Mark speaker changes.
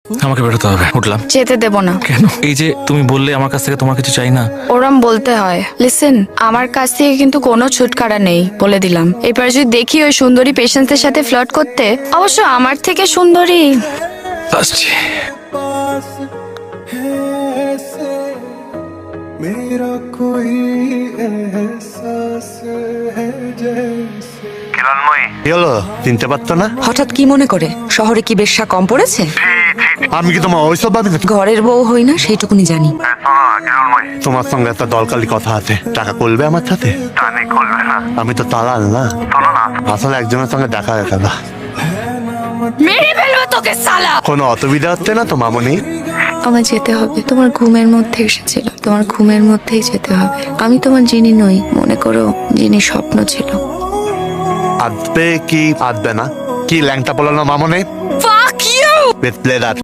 Speaker 1: আমাকে বেরোতে হবে, উঠলাম।
Speaker 2: যেতে দেব না।
Speaker 1: কেন? এই যে তুমি বললে আমার কাছ থেকে তোমার কিছু চাই না।
Speaker 2: ওরম বলতে হয়। লিসেন, আমার কাছ থেকে কিন্তু কোনো ছুটকারা নেই, বলে দিলাম। এবার যদি দেখি ওই সুন্দরী পেশেন্টদের সাথে ফ্লার্ট করতে, অবশ্য আমার থেকে সুন্দরী।
Speaker 1: আসছি।
Speaker 3: मेरा कोई एहसास है जैसे।
Speaker 4: কি হলো, চিনতে পারতো না?
Speaker 5: হঠাৎ কি মনে করে? শহরে কি বেশ্যা কম পড়েছে?
Speaker 4: আমি কি তোমার ওইসব ভাবি না?
Speaker 5: ঘরের বউ হই না সেইটুকুনি জানি।
Speaker 4: তোমার সঙ্গে একটা দরকারি কথা আছে, টাকা করবে আমার সাথে? আমি তো তালাল না, আসলে একজনের সঙ্গে দেখা হয়ে গেল।
Speaker 2: মেরে ফেলবো তোকে সালা।
Speaker 4: কোনো অসুবিধা হচ্ছে না তো মামনি?
Speaker 2: আমার যেতে হবে, তোমার ঘুমের মধ্যে এসেছিল, তোমার ঘুমের মধ্যেই যেতে হবে। আমি তোমার জিনি নই, মনে করো জিনি স্বপ্ন ছিল।
Speaker 4: আসবে কি আসবে না? কি ল্যাংটা বলো না মামনি?
Speaker 2: Fuck you!
Speaker 4: বেশ প্লেয়ার।